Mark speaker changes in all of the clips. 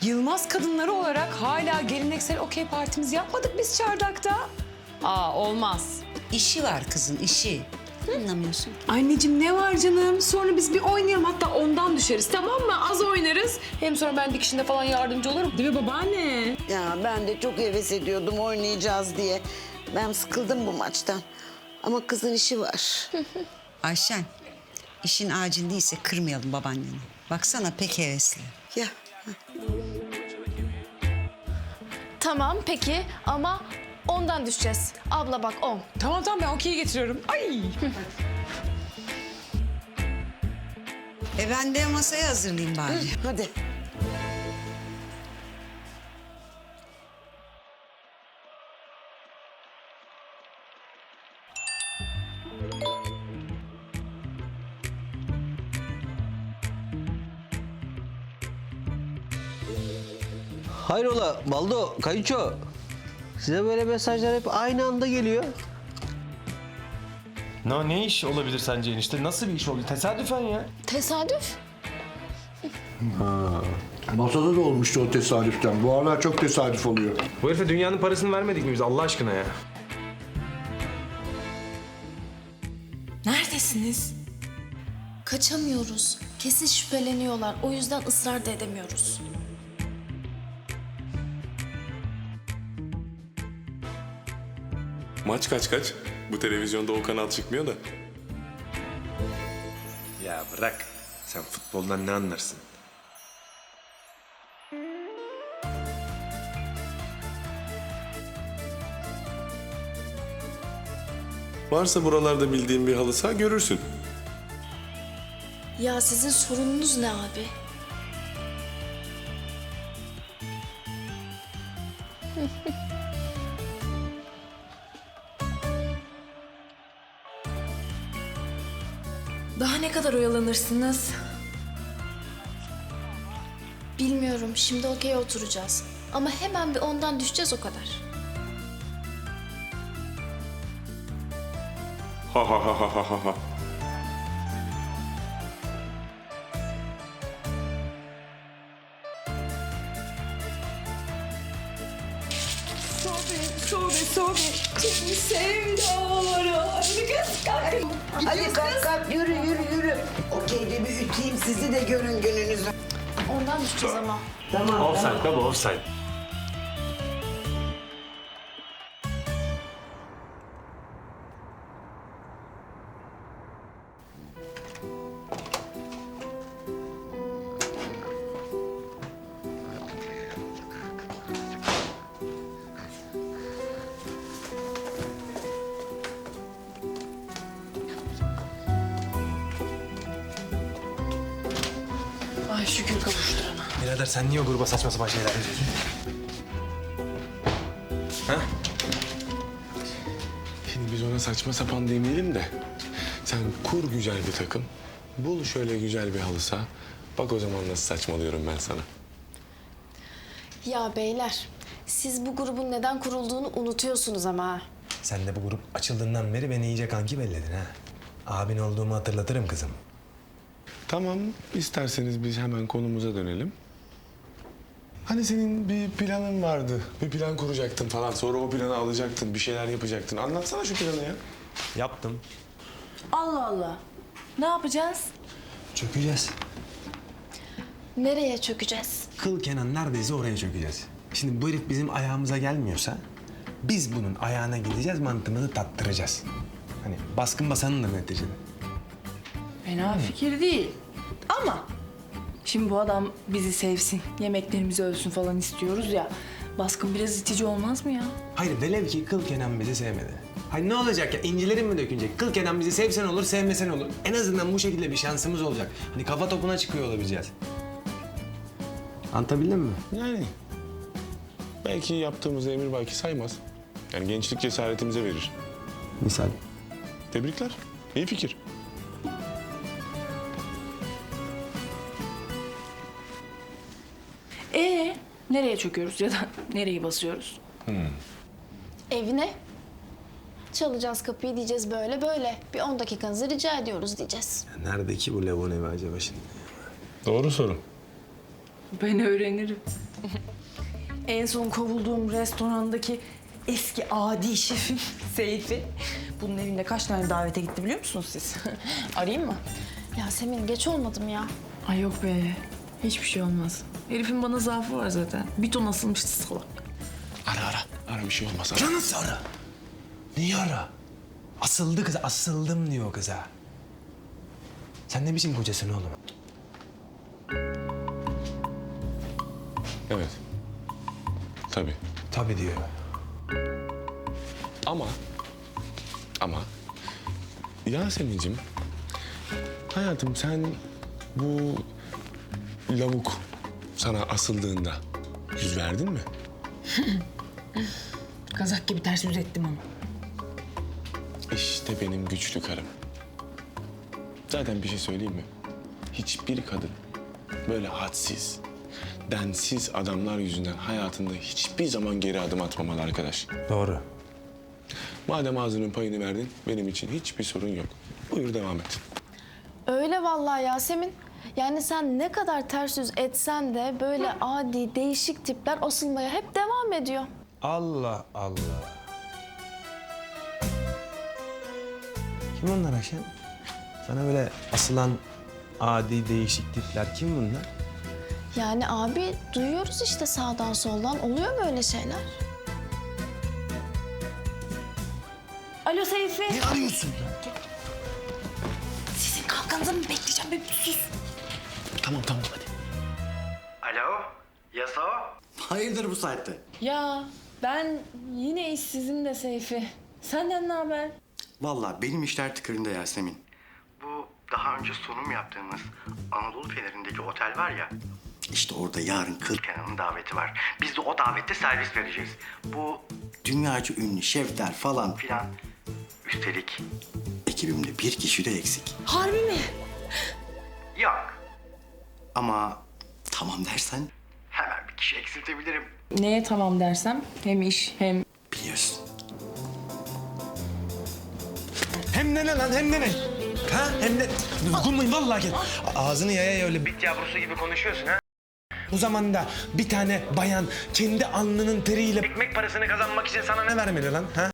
Speaker 1: Yılmaz kadınları olarak hala geleneksel okey partimizi yapmadık biz çardakta. Olmaz.
Speaker 2: İşi var kızın, işi. Anlamıyorsun.
Speaker 1: Anneciğim ne var canım? Sonra biz bir oynayalım, hatta ondan düşeriz, tamam mı? Az oynarız. Hem sonra ben dikişinde falan yardımcı olurum. Değil mi babaanne?
Speaker 3: Ya ben de çok heves ediyordum oynayacağız diye. Ben sıkıldım bu maçtan. Ama kızın işi var.
Speaker 2: Ayşen, işin acil değilse kırmayalım babaanneni. Baksana pek hevesli.
Speaker 3: Ya
Speaker 4: Tamam peki ama ondan düşeceğiz. Abla bak 10.
Speaker 1: Tamam ben okeyi getiriyorum. Ay.
Speaker 2: Ben de masayı hazırlayayım bari.
Speaker 3: hadi.
Speaker 5: Hayrola Baldo, Kayınço. Size böyle mesajlar hep aynı anda geliyor.
Speaker 6: Ne iş olabilir sence enişte? Nasıl bir iş oldu? Tesadüfen ya.
Speaker 4: Tesadüf?
Speaker 7: Masada da olmuştu o tesadüften. Bu aralar çok tesadüf oluyor.
Speaker 6: Bu herife dünyanın parasını vermedik mi biz Allah aşkına ya?
Speaker 4: Neredesiniz? Kaçamıyoruz. Kesin şüpheleniyorlar. O yüzden ısrar da edemiyoruz.
Speaker 8: Maç kaç? Bu televizyonda o kanal çıkmıyor da.
Speaker 6: Ya bırak. Sen futboldan ne anlarsın?
Speaker 8: Varsa buralarda bildiğin bir halı saha görürsün.
Speaker 4: Ya sizin sorununuz ne abi? Daha ne kadar oyalanırsınız? Bilmiyorum. Şimdi okey oturacağız. Ama hemen bir ondan düşeceğiz o kadar.
Speaker 8: Ha ha ha ha ha ha ha.
Speaker 3: Hadi kalk yürü. Okeyde bir üteyim sizi de görün gününüzü.
Speaker 4: Ondan düşeceğiz ama.
Speaker 6: Offside baba offside.
Speaker 1: Ay şükür kavuşturana.
Speaker 6: Birader sen niye o gruba saçma sapan şeyler yazıyorsun? Ha?
Speaker 8: Şimdi biz ona saçma sapan demeyelim de. Sen kur güzel bir takım. Bul şöyle güzel bir halı saha. Bak o zaman nasıl saçmalıyorum ben sana.
Speaker 4: Ya beyler, siz bu grubun neden kurulduğunu unutuyorsunuz ama ha.
Speaker 6: Sen de bu grup açıldığından beri beni iyice kanki belledin ha. Abin olduğumu hatırlatırım kızım.
Speaker 8: Tamam, isterseniz biz hemen konumuza dönelim. Hani senin bir planın vardı. Bir plan kuracaktın falan. Sonra o planı alacaktın, bir şeyler yapacaktın. Anlatsana şu planı ya.
Speaker 6: Yaptım.
Speaker 4: Allah Allah. Ne yapacağız?
Speaker 6: Çökeceğiz.
Speaker 4: Nereye çökeceğiz?
Speaker 6: Kıl Kenan neredeyse oraya çökeceğiz. Şimdi bu herif bizim ayağımıza gelmiyorsa biz bunun ayağına gideceğiz, mantığımızı tattıracağız. Hani baskın basanındır neticede.
Speaker 9: Fena fikir değil. Ama şimdi bu adam bizi sevsin, yemeklerimizi ölsün falan istiyoruz ya. Baskın biraz itici olmaz mı ya?
Speaker 6: Hayır velev ki Kıl Kenan bizi sevmedi. Hayır ne olacak ya, incilerin mi dökülecek? Kıl Kenan bizi sevsen olur, sevmesen olur. En azından bu şekilde bir şansımız olacak. Hani kafa topuna çıkıyor olabileceğiz. Anlatabildim mi?
Speaker 8: Yani belki yaptığımız emir belki saymaz. Yani gençlik cesaretimize verir.
Speaker 6: Misal.
Speaker 8: Tebrikler. İyi fikir.
Speaker 9: Nereye çöküyoruz ya da nereyi basıyoruz?
Speaker 4: Evine. Çalacağız kapıyı diyeceğiz böyle böyle. Bir 10 dakikanızı rica ediyoruz diyeceğiz.
Speaker 6: Ya nerede ki bu Levon evi acaba şimdi?
Speaker 8: Doğru soru.
Speaker 9: Ben öğrenirim. En son kovulduğum restorandaki eski adi şefim Seyfi. Bunun evinde kaç tane davete gitti biliyor musunuz siz? Arayayım mı?
Speaker 4: Yasemin geç olmadım ya.
Speaker 9: Ay yok be. Hiçbir şey olmaz. Herifin bana zaafı var zaten. Bir ton asılmıştı salak.
Speaker 8: Ara bir şey olmaz.
Speaker 6: Ya nasıl ara? Niye ara? Asıldı kıza, asıldım diyor kıza. Sen ne biçim kocasın oğlum?
Speaker 8: Evet. Tabii.
Speaker 6: Tabii diyor.
Speaker 8: Ama Yasemin'cim, hayatım sen bu lavuk sana asıldığında yüz verdin mi?
Speaker 9: Kazak gibi ters yüz ettim ama.
Speaker 8: İşte benim güçlü karım. Zaten bir şey söyleyeyim mi? Hiçbir kadın böyle hadsiz, densiz adamlar yüzünden hayatında hiçbir zaman geri adım atmamalı arkadaş.
Speaker 6: Doğru.
Speaker 8: Madem ağzının payını verdin, benim için hiçbir sorun yok. Buyur devam et.
Speaker 4: Öyle vallahi Yasemin. Yani sen ne kadar ters yüz etsen de böyle adi, değişik tipler asılmaya hep devam ediyor.
Speaker 6: Allah Allah. Kim onlar Ayşen? Sana böyle asılan adi değişik tipler kim bunlar?
Speaker 4: Yani abi duyuyoruz işte sağdan soldan. Oluyor böyle şeyler.
Speaker 9: Alo Seyfi.
Speaker 6: Ne arıyorsun?
Speaker 9: Sizin kalkanızı mı bekleyeceğim be? Sus.
Speaker 6: Tamam hadi.
Speaker 10: Alo, Yaso? Hayırdır bu saatte?
Speaker 9: Ya ben yine işsizim de Seyfi. Senden ne haber?
Speaker 10: Vallahi benim işler tıkırında Yasemin. Bu daha önce sunum yaptığımız Anadolu Feneri'ndeki otel var ya. İşte orada yarın Kıl Kenan'ın daveti var. Biz de o davette servis vereceğiz. Bu dünyaca ünlü şefler falan filan. Üstelik ekibimde bir kişi de eksik.
Speaker 9: Harbi mi?
Speaker 10: Yok. Ama tamam dersen hemen bir kişi eksiltebilirim.
Speaker 9: Neye tamam dersem hem iş hem...
Speaker 10: Biliyorsun.
Speaker 6: Hem de ne lan hem de ne? Ha hem de dokunmayın vallahi gel. Ağzını yaya öyle bit yavrusu gibi konuşuyorsun ha. Bu zamanda bir tane bayan kendi alnının teriyle ekmek parasını kazanmak için sana ne vermeli lan ha?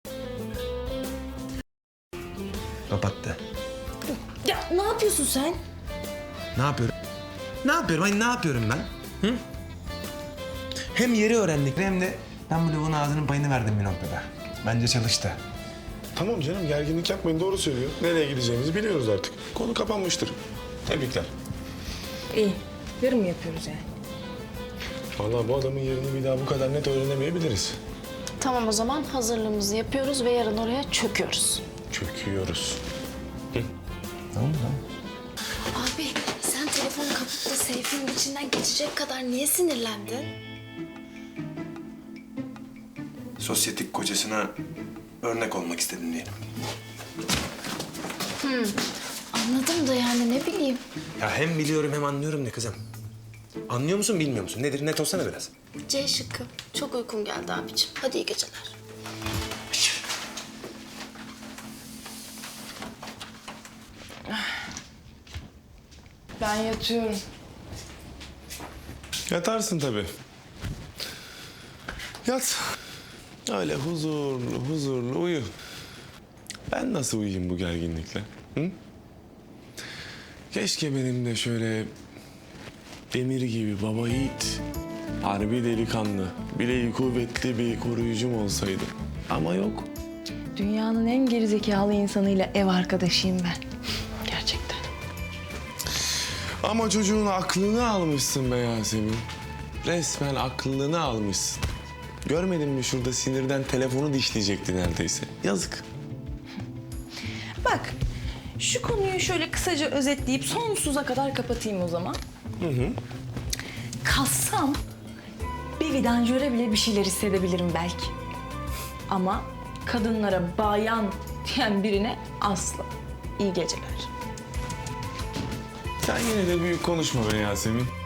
Speaker 6: Kapattı.
Speaker 9: Ya ne yapıyorsun sen?
Speaker 6: Ne yapıyorum? Ne yapıyorum? Ay ne yapıyorum ben? Hı? Hem yeri öğrendik hem de ben bu lavuğun ağzının payını verdim bir noktada. Bence çalıştı.
Speaker 8: Tamam canım, gerginlik yapmayın, doğru söylüyor. Nereye gideceğimizi biliyoruz artık. Konu kapanmıştır. Tebrikler.
Speaker 9: İyi. Yarın mı yapıyoruz yani?
Speaker 8: Vallahi bu adamın yerini bir daha bu kadar net öğrenemeyebiliriz.
Speaker 4: Tamam o zaman hazırlığımızı yapıyoruz ve yarın oraya çöküyoruz.
Speaker 8: Çöküyoruz.
Speaker 6: Tamam.
Speaker 4: Abi sen telefonu kapıp da Seyfi'nin içinden geçecek kadar niye sinirlendin?
Speaker 6: Sosyetik kocasına örnek olmak istedim diyelim.
Speaker 4: Anladım da yani ne bileyim.
Speaker 6: Ya hem biliyorum hem anlıyorum ne kızım. Anlıyor musun bilmiyor musun? Nedir net olsana biraz.
Speaker 4: C şıkkı. Çok uykum geldi abicim. Hadi iyi geceler.
Speaker 9: Ben yatıyorum.
Speaker 8: Yatarsın tabii. Yat. Öyle huzurlu uyu. Ben nasıl uyuyayım bu gerginlikle? Hı? Keşke benim de şöyle demir gibi baba yiğit, harbi delikanlı, bileği kuvvetli bir koruyucum olsaydı. Ama yok.
Speaker 9: Dünyanın en gerizekalı insanıyla ev arkadaşıyım ben. Gerçekten.
Speaker 8: Ama çocuğun aklını almışsın be Yasemin. Resmen aklını almışsın. Görmedin mi şurada sinirden telefonu dişleyecekti neredeyse. Yazık.
Speaker 9: Bak, şu konuyu şöyle kısaca özetleyip sonsuza kadar kapatayım o zaman. Kalsam bir vidanjöre bile bir şeyler hissedebilirim belki. Ama kadınlara bayan diyen birine asla. İyi geceler.
Speaker 8: Sen yine de büyük konuşma be Yasemin.